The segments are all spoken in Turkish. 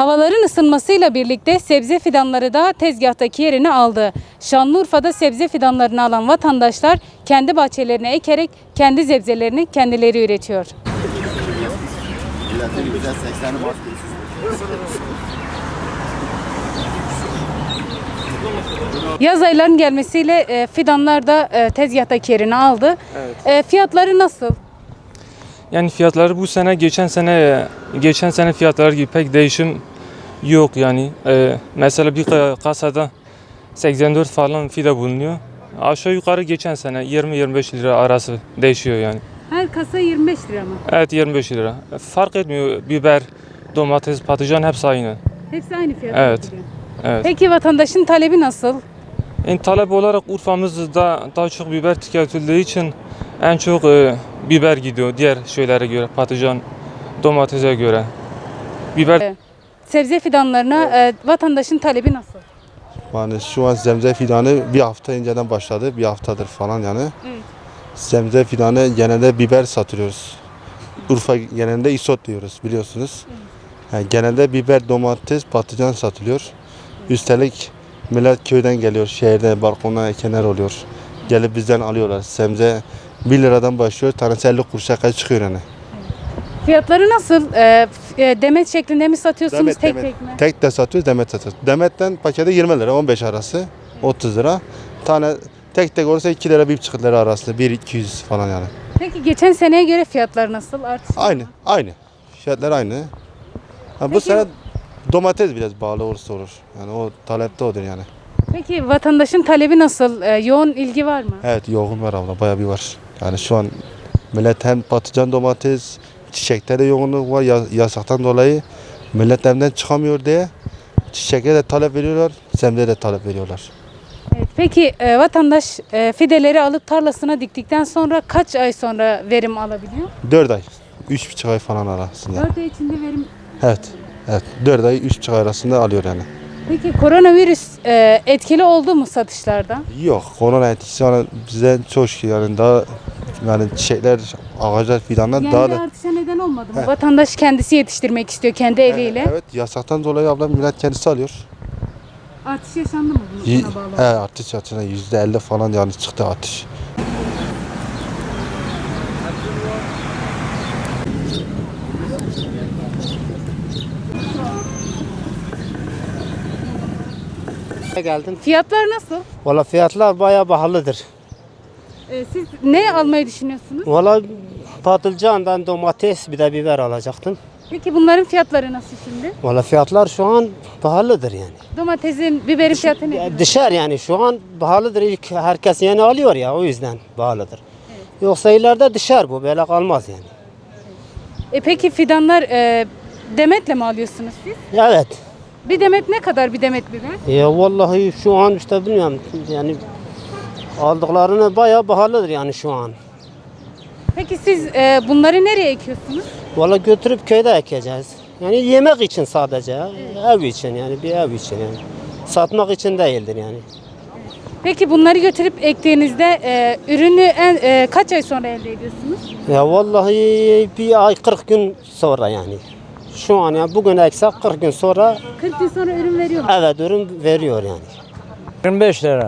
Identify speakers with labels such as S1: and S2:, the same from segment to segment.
S1: Havaların ısınmasıyla birlikte sebze fidanları da tezgahtaki yerini aldı. Şanlıurfa'da sebze fidanlarını alan vatandaşlar kendi bahçelerine ekerek kendi sebzelerini kendileri üretiyor. Yaz aylarının gelmesiyle fidanlar da tezgahtaki yerini aldı.
S2: Evet.
S1: Fiyatları nasıl?
S2: Yani fiyatları bu sene geçen sene fiyatları gibi pek değişim yok yani. Mesela bir kasada 84 falan fide bulunuyor. Aşağı yukarı geçen sene 20-25 lira arası değişiyor yani.
S1: Her kasa 25 lira mı?
S2: Evet 25 lira. Fark etmiyor, biber, domates, patlıcan hepsi aynı.
S1: Hepsi aynı fiyat.
S2: Evet. Evet.
S1: Peki vatandaşın talebi nasıl?
S2: En talep olarak Urfa'mızda daha çok biber tüketildiği için en çok biber gidiyor diğer şeylere göre, patlıcan, domatese göre. Biber
S1: Sebze fidanlarına vatandaşın talebi nasıl?
S3: Yani şu an zemze fidanı bir hafta önceden başladı. Bir haftadır falan yani.
S1: Evet.
S3: Zemze fidanı genelde biber satıyoruz. Urfa genelinde isot diyoruz biliyorsunuz. Yani genelde biber, domates, patlıcan satılıyor. Üstelik millet köyden geliyor, şehirde balkona ekenler oluyor. Gelip bizden alıyorlar. Sebze 1 liradan başlıyor, tanesi 50 kuruşa kadar çıkıyor yani.
S1: Fiyatları nasıl? Demet şeklinde mi satıyorsunuz tek mi?
S3: Tek de satıyoruz, demet satıyoruz. Demetten paketi 20 lira, 15 arası, 30 lira. Tane tek olursa 2 lira, 1,5 lira arası, 1-200 falan yani.
S1: Peki geçen seneye göre fiyatlar nasıl? Artış var mı?
S3: Aynı. Fiyatlar aynı. Ha, bu
S1: Peki-
S3: sene domates biraz bağlı olursa olur. Yani o talepte odur yani.
S1: Peki vatandaşın talebi nasıl? Yoğun ilgi var mı?
S3: Evet yoğun var abla, bayağı bir var. Yani şu an millet hem patlıcan, domates, çiçekte de yoğunluk var yasaktan dolayı. Millet evden çıkamıyor diye çiçeğe de talep veriyorlar, sebzeye de talep veriyorlar.
S1: Evet. Peki vatandaş fideleri alıp tarlasına diktikten sonra kaç ay sonra verim alabiliyor?
S3: 4 ay, 3,5 ay falan arasında.
S1: 4 ay içinde verim.
S3: Evet, 4 ay, 3,5 ay arasında alıyor yani.
S1: Peki koronavirüs etkili oldu mu satışlarda?
S3: Yok, korona etkisi yani bize çok şey yani daha yani çiçekler, ağaçlar fidanlar
S1: Yani
S3: daha
S1: bir
S3: da
S1: artışa neden olmadı mı? Vatandaş kendisi yetiştirmek istiyor kendi eliyle.
S3: evet yasaktan dolayı ablam millet kendisi alıyor.
S1: Artış yaşandı mı buna bağlı?
S3: Evet artış yatına %50 falan yani çıktı artış.
S4: Geldim.
S1: Fiyatlar nasıl?
S4: Valla fiyatlar bayağı pahalıdır.
S1: Siz ne almayı düşünüyorsunuz?
S4: Valla patlıcandan domates bir de biber alacaktım.
S1: Peki bunların fiyatları nasıl şimdi?
S4: Valla fiyatlar şu an pahalıdır yani.
S1: Domatesin, biberin fiyatı ne?
S4: Dışarı yani şu an pahalıdır. İlk herkes yeni alıyor ya o yüzden pahalıdır. Yoksa ileride dışarı bu böyle kalmaz yani.
S1: Peki fidanlar demetle mi alıyorsunuz siz?
S4: Evet.
S1: Bir demet ne kadar bir demet biber?
S4: Ya vallahi şu an işte bilmiyorum yani aldıklarını bayağı pahalıdır yani şu an.
S1: Peki siz bunları nereye ekiyorsunuz?
S4: Valla götürüp köyde ekeceğiz. Yani yemek için sadece, ev için yani bir ev için yani. Satmak için değildir yani.
S1: Peki bunları götürüp ektiğinizde ürünü kaç ay sonra elde ediyorsunuz?
S4: Ya vallahi bir ay 40 gün sonra yani. Şu an ya bugün eksik 40 gün sonra
S1: 40 gün sonra ürün veriyor mu?
S4: evet ürün veriyor yani.
S5: 25 lira.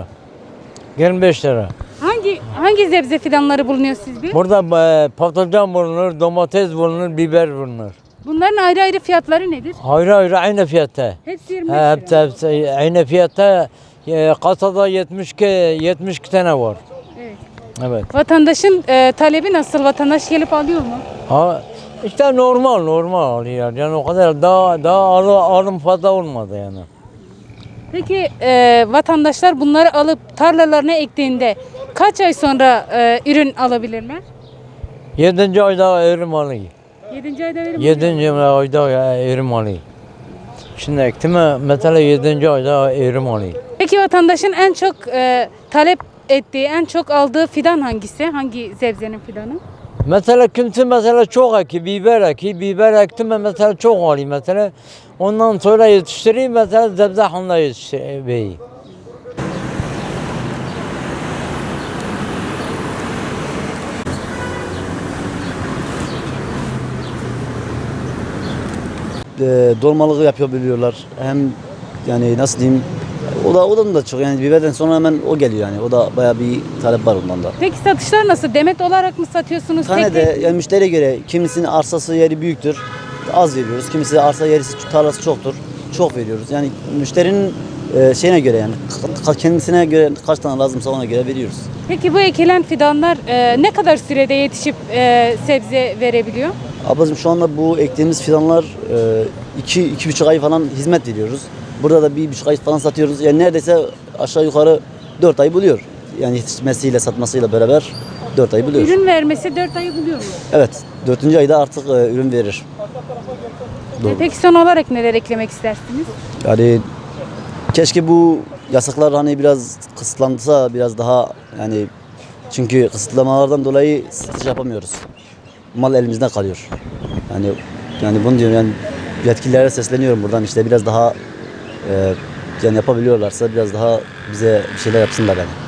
S5: 25 lira.
S1: Hangi sebze fidanları bulunuyor sizde?
S5: Burada patlıcan bulunur, domates bulunur, biber bulunur.
S1: Bunların ayrı ayrı fiyatları nedir?
S5: Ayrı ayrı aynı fiyatta.
S1: Hepsi 25 lira.
S5: Hepsi aynı fiyatta. Kasada 72 tane var.
S1: Evet.
S5: Evet.
S1: Vatandaşın talebi nasıl? Vatandaş gelip alıyor mu?
S5: Ha, işte normal alıyor. Yani o kadar daha alım fazla olmadı yani.
S1: Peki vatandaşlar bunları alıp tarlalarına ektiğinde kaç ay sonra ürün alabilirler?
S5: 7. ayda erim alıyor.
S1: 7. ayda verim
S5: 7. ayda erim alıyor. Şimdi ektim mesela 7. ayda erim alıyor.
S1: Peki vatandaşın en çok talep ettiği, en çok aldığı fidan hangisi? Hangi sebzenin fidanı?
S5: Mesela kimse mesela çok biber ektim mesela çok alayım mesela. Ondan sonra yetiştireyim mesela zebzehanla yetiştireyim.
S6: dolmalığı yapabiliyorlar. Hem yani nasıl diyeyim, o da çok, yani biberden sonra hemen o geliyor yani. O da bayağı bir talep var ondan da.
S1: Peki satışlar nasıl? Demet olarak mı satıyorsunuz?
S6: Tane
S1: Tek
S6: de
S1: tek-
S6: yani müşteriye göre, kimisinin arsası yeri büyüktür, az veriyoruz. Kimisi arsa yeri tarlası çoktur, çok veriyoruz. Yani müşterinin şeyine göre, yani kendisine göre kaç tane lazımsa ona göre veriyoruz.
S1: Peki bu ekilen fidanlar ne kadar sürede yetişip sebze verebiliyor?
S6: Ablacığım şu anda bu ektiğimiz fidanlar 2-2,5 ay falan hizmet veriyoruz. Burada da 1,5 ay falan satıyoruz. Yani neredeyse aşağı yukarı 4 ay buluyor. Yani yetişmesiyle satmasıyla beraber 4 ay buluyor.
S1: Ürün vermesi 4 ayı buluyor mu?
S6: Evet, 4. ayda artık ürün verir. Doğru.
S1: Peki son olarak neler eklemek istersiniz?
S6: Yani keşke bu yasaklar hani biraz kısıtlansa, biraz daha, yani çünkü kısıtlamalardan dolayı satış yapamıyoruz. Mal elimizden kalıyor. Yani bunu diyorum, yani yetkililere sesleniyorum buradan, işte biraz daha yani yapabiliyorlarsa biraz daha bize bir şeyler yapsınlar yani.